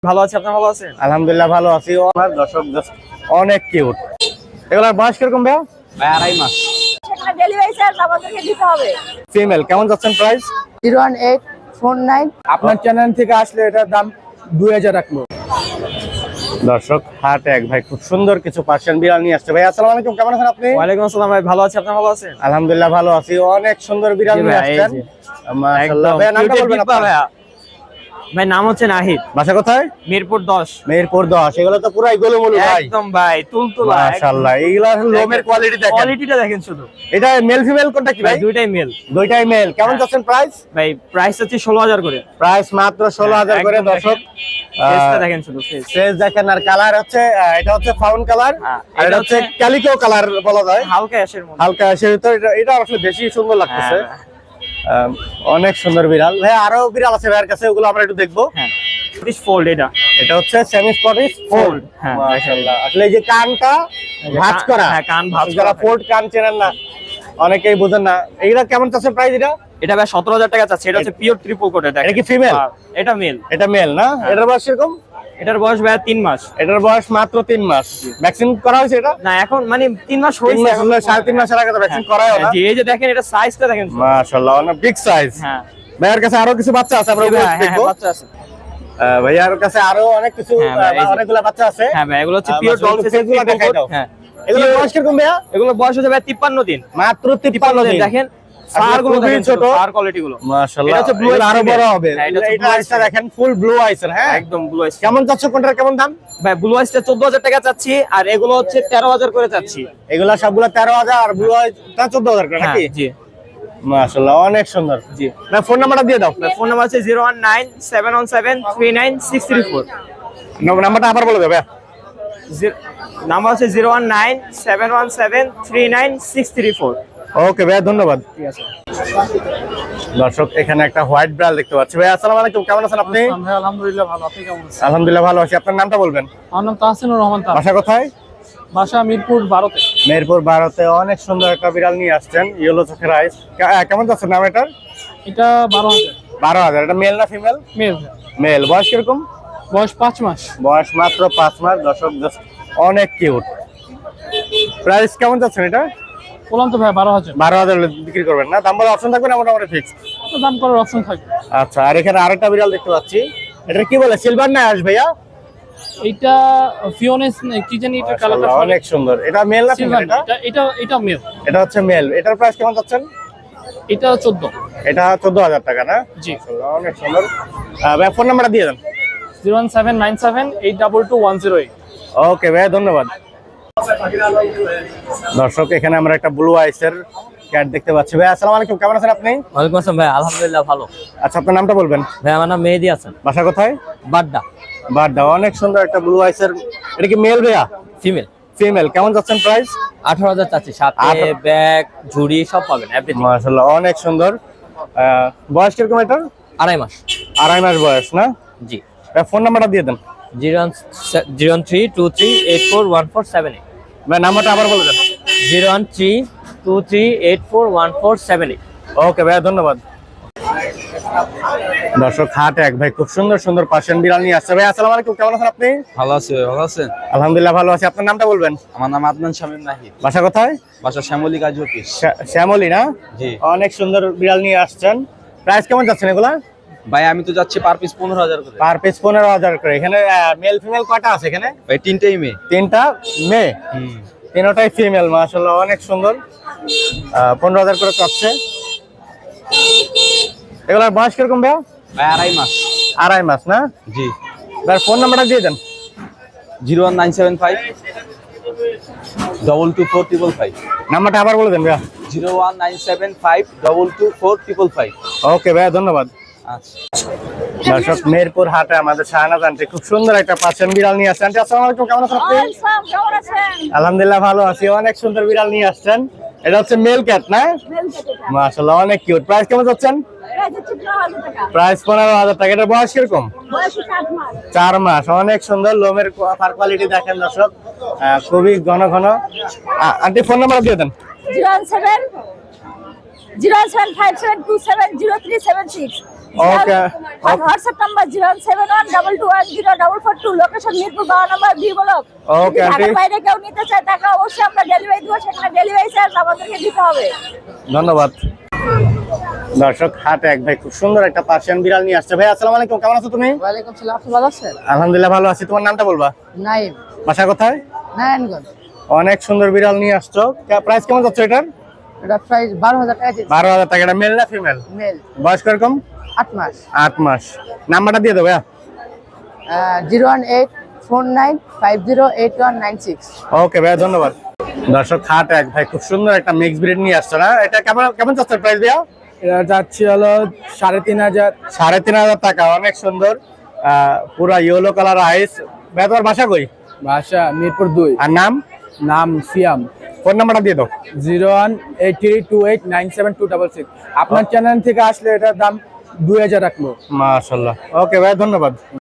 ভালো আছি, আপনি ভালো আছেন? আলহামদুলিল্লাহ ভালো আছি। আমার দর্শক অনেক কিউট। এগুলার বয়স কিরকম ভাইয়া? ভাই 2.5 মাস। সেখানে ডেলিভারি চার্জ আমাদেরকে দিতে হবে। ফিমেল কেমন যাচ্ছেন প্রাইস? 01849। আপনার চ্যানেল থেকে আসলে এটার দাম 2000 রাখলো। দর্শক হাট এক ভাই খুব সুন্দর কিছু পার্সিয়ান বিড়াল নিয়ে আসছে। ভাই আসসালামু আলাইকুম, কেমন আছেন আপনি? ওয়ালাইকুম আসসালাম ভাই, ভালো আছি, আপনি ভালো আছেন? আলহামদুলিল্লাহ ভালো আছি। অনেক সুন্দর বিড়াল জি নিয়ে ভাই, আসছেন। এই যে। মাশাআল্লাহ। ভাই নামটা বলবেন আপনার? ভাইয়া ভাই নাম হচ্ছে নাহিদ, বাসা কোথায়? মিরপুর 10। মেহেরপুর 10। এগুলো তো পুরাই গোলুমুলু ভাই। একদম ভাই তুলতুলা। মাশাআল্লাহ। এইগুলার লোমের কোয়ালিটি দেখেন। কোয়ালিটিটা দেখেন শুধু। এটা মেল ফিমেল কোনটা কি ভাই ভাই? দুইটাই মেল। দুইটাই মেল। কেমন যাচ্ছেন প্রাইস? ভাই প্রাইস হচ্ছে 16000 করে। প্রাইস মাত্র 16000 করে একদম দর্শক। ফেসটা দেখেন শুধু, ফেস। ফেস দেখেন। আর কালার হচ্ছে এটা হচ্ছে ফাউন কালার, হ্যাঁ, আর এটা এটা হচ্ছে হচ্ছে ক্যালিকো কালার বলা যায়। হালকা অ্যাশের মধ্যে। হালকা আশের ভিতর। এটা আসলে বেশি সুন্দর লাগতেছে। হ্যাঁ। অনেক সুন্দর বিড়াল। ভাই আরো বিড়াল আছে ভাইয়ের কাছে, ওগুলো আমরা একটু দেখবো। হ্যাঁ দিস ফোল্ড এটা। এটা হচ্ছে সেমি স্পটিশ ফোল্ড। হ্যাঁ, মাশাআল্লাহ। আসলে এই যে কানটা ভাঁজ করা। হ্যাঁ, কান ভাঁজ যারা করা। ফোল্ড কান চেনেন না, অনেকেই বোঝেন না। এইটা কেমন চাচ্ছে প্রাইস? এটা ভাই 17000 টাকা চাচ্ছে। এটা হচ্ছে পিওর ট্রিপল কোট। এটা কি ফিমেল? এটা মেল। এটা মেল না? এটার বয়স কিরকম? এটার বয়স ভাই 3 মাস। এটার বয়স মাত্র 3 মাস। ভ্যাকসিন করা হয়েছে এটা? না এখন মানে 3 মাস 3 হয়েছে। মাস হলে 3.5 মাসের আগে তো ভ্যাকসিন করাই না। জি এই যে দেখেন, এটা সাইজটা দেখেন। মাশাআল্লাহ অনেক বিগ সাইজ। হ্যাঁ ভাইয়ার কাছে আরো কিছু বাচ্চা আছে, আমরা ওগুলো হ্যাঁ, দেখবো। বাচ্চা আছে। ভাইয়ার কাছে আরো অনেক কিছু হ্যাঁ, ভাই, এই যে। অনেকগুলো বাচ্চা আছে। হ্যাঁ ভাই এগুলো হচ্ছে পিওর মাশাআল্লাহ, ডলফিস ফেসগুলো দেখাই দাও। হ্যাঁ এগুলো বয়স কিরকম ভাইয়া? এগুলো বয়স হচ্ছে ভাই 53 দিন। মাত্র 53 দিন। দেখেন আসলে সার গুলো খুবই দেখেন, ছোট। সার কোয়ালিটি গুলো। মাশাআল্লাহ। এটা হচ্ছে blue এগুলো eyes আরো female। বড় হবে। হ্যাঁ, এটা হচ্ছে এটা blue eyes আইসটা দেখেন, ফুল ব্লু আইসের। হ্যাঁ একদম ব্লু আইস। কেমন চাচ্ছ? কোনটার কেমন দাম? ভাই ব্লু আইসটা 14000 টাকা চাচ্ছি, আর এগুলো হচ্ছে 13000 করে চাচ্ছি। এগুলা সবগুলা 13000 আর ব্লু আইসটা 14000 করে হ্যাঁ নাকি? জি মাশাআল্লাহ অনেক সুন্দর। জি। না ফোন নাম্বারটা দিয়ে দাও। ফোন নাম্বার আছে 01971739634। নাম্বারটা আবার বলে দেবে। নাম্বার আছে 01971739634। ওকে ভাই ধন্যবাদ। ঠিক আছে। দর্শক এখানে একটা হোয়াইট ব্রাল দেখতে পাচ্ছি। ভাই আসসালামু আলাইকুম, কেমন আছেন আপনি? ভাই আলহামদুলিল্লাহ ভালো, আপনি কেমন আছেন? আলহামদুলিল্লাহ ভালো আছি। আপনার নামটা বলবেন? আমার নাম তাহসিনুর রহমান। বাসা কোথায়? বাসা মিরপুর 12-তে। মেহেরপুর 12-তে। অনেক সুন্দর একটা বিড়াল নিয়ে আসছেন, ইয়েলো চোখের আইস। কেমন যাচ্ছে নাম এটার? এটা 12,000 12,000। এটা মেল না ফিমেল? মেল। মেল। বয়স কিরকম? বয়স 5 মাস। বয়স মাত্র 5 মাস। দর্শক অনেক কিউট। প্রাইস কেমন যাচ্ছেন এটা? বললাম তো ভাই 12,000। 12,000 বিক্রি করবেন না? দাম বলে অপশন থাকবে না মোটামুটি ফিক্স? দাম করার অপশন থাকবে। আচ্ছা। আর এখানে আরেকটা বিড়াল দেখতে পাচ্ছি, এটা কি বলে? সিলভার না অ্যাশ ভাইয়া? এইটা ফিওনেস কি জানি, এটা কালারটা মাশাআল্লাহ, অনেক সুন্দর। এটা মেল না ফিমেল? সিলভার। এটা মেল। এটা হচ্ছে মেল। এটার প্রাইস কেমন যাচ্ছেন? এটা 14। এটা 14,000 টাকা না? জি। মাশাআল্লাহ, অনেক সুন্দর। ভাই ফোন নাম্বারটা দিয়ে দেন। 01797822108। ওকে ভাই ধন্যবাদ। দর্শক এখানে আমরা একটা ব্লু আইসের ক্যাট দেখতে পাচ্ছি। ভাই আসসালামু আলাইকুম, কেমন আছেন আপনি? ওয়ালাইকুম আসসালাম ভাই, আলহামদুলিল্লাহ ভালো। আচ্ছা আপনার নামটা বলবেন? ভাই আমার নাম মেহেদি হাসান, বাসা কোথায়? বাড্ডা। বাড্ডা। অনেক সুন্দর একটা ব্লু আইসের। এটা কি মেল ভাইয়া? ফিমেল। ফিমেল। কেমন যাচ্ছেন প্রাইস? 18000 চাচ্ছি, সাথে ব্যাগ ঝুড়ি সব পাবেন, এভরিথিং। মাশাআল্লাহ অনেক সুন্দর। বয়স কিরকম এটার? 2.5 মাস। 2.5 মাস বয়স না? জি। ভাই ফোন নাম্বারটা দিয়ে দেন। 01323841478। ভাই নাম্বারটা আবার বলে দেন। 01323841478। ওকে ভাই ধন্যবাদ। দর্শক হাট এক ভাই খুব সুন্দর সুন্দর পার্সিয়ান বিড়াল নিয়ে আসছে। ভাই আসসালামু আলাইকুম, কেমন আছেন আপনি? ভালো আছি ভাই, ভালো আছেন? আলহামদুলিল্লাহ ভালো আছি। আপনার নামটা বলবেন? আমার নাম আদনান শামীম নাহিদ। বাসা কোথায়? বাসা শ্যামলী কাজী অফিস। শ্যামলী না? জি অনেক সুন্দর বিড়াল নিয়ে আসছেন। প্রাইস কেমন যাচ্ছেন এগুলা? ভাই আমি তো যাচ্ছি পার পিস 15,000 করে। পার পিস 15,000 করে। এখানে মেল ফিমেল কয়টা আছে এখানে? ভাই তিনটেই মেয়ে। 3টা মেয়ে, 3টাই ফিমেল। মাশাআল্লাহ অনেক সুন্দর। 15,000 করে চাচ্ছে। এগুলার বয়স কিরকম ভাইয়া? ভাই 2.5 মাস। 2.5 মাস না? জি। ভাই ফোন নাম্বারটা দিয়ে দেন। 01975 22455। নাম্বারটা আবার বলে দেন ভাইয়া। 01975 22455। ওকে ভাইয়া ধন্যবাদ। আচ্ছা। দর্শক মেহেরপুর হাটে আমাদের শাহনাজ আন্টি খুব সুন্দর একটা পার্সিয়ান বিড়াল নিয়ে আসছেন। আন্টি আসসালামু আলাইকুম, কেমন আছেন আপনি? আসসালাম, কেমন আছেন? আলহামদুলিল্লাহ ভালো আছি। অনেক সুন্দর বিড়াল নিয়ে আসছেন। এটা হচ্ছে মেল ক্যাট না? মেল কেটেটা। মাশাআল্লাহ অনেক কিউট। প্রাইস কেমন যাচ্ছেন? এটা হচ্ছে 15,000 টাকা। প্রাইস 15,000 টাকা। এটার বয়স কিরকম? বয়স 8 মাস। 4 মাস। অনেক সুন্দর। লোমের ফার কোয়ালিটি দেখেন দর্শক, খুবই ঘন ঘন। আন্টি ফোন নাম্বার দিয়ে দেন। 017 07572703776। ওকে আর WhatsApp number 07122104442, location Mirpur 12 number B block. Okay, যদি আন্টি। ঢাকার বাইরে কেউ নিতে চায় টাকা অবশ্যই আমরা ডেলিভারি দিব, সেখানে ডেলিভারি চার্জ আমাদেরকে দিতে হবে। ধন্যবাদ। দর্শক হাটে এক ভাই খুব সুন্দর একটা পার্সিয়ান বিড়াল নিয়ে আসছে। ভাই আসসালামু আলাইকুম, কেমন আছো তুমি? ওয়ালাইকুম সালাম, আপনি ভালো আছেন? আলহামদুলিল্লাহ ভালো আছি। তোমার নামটা বলবা? নাইম, বাসা কোথায়? নারায়ণগঞ্জ। অনেক সুন্দর বিড়াল নিয়ে আসছো। প্রাইস কেমন যাচ্ছে এটার? এটা প্রাইস 12,000 টাকা দিচ্ছি। 12,000 টাকা। এটা মেল না ফিমেল? মেল, বয়স কিরকম? 8 মাস। 8 মাস। নাম্বারটা দিয়ে দেবো। 01849508196। ওকে ভাইয়া, ধন্যবাদ। দর্শক হাট এক ভাই খুব সুন্দর একটা মিক্স ব্রিড নিয়ে আসছো না? এটা কেমন কেমন যাচ্ছে প্রাইস ভাইয়া? এটা যাচ্ছে হলো 3,500। 3,500 টাকা। অনেক সুন্দর, পুরা ইয়েলো কালার আইস। ভাইয়া তোমার বাসা কই? ভাষা মিরপুর 2। আর নাম? নাম সিয়াম। ফোন নাম্বারটা দিয়ে দাও। 01832897266। আপনার চ্যানেল থেকে আসলে এটার দাম 2,000 রাখবো। মাশাআল্লাহ। ওকে ভাই, ধন্যবাদ।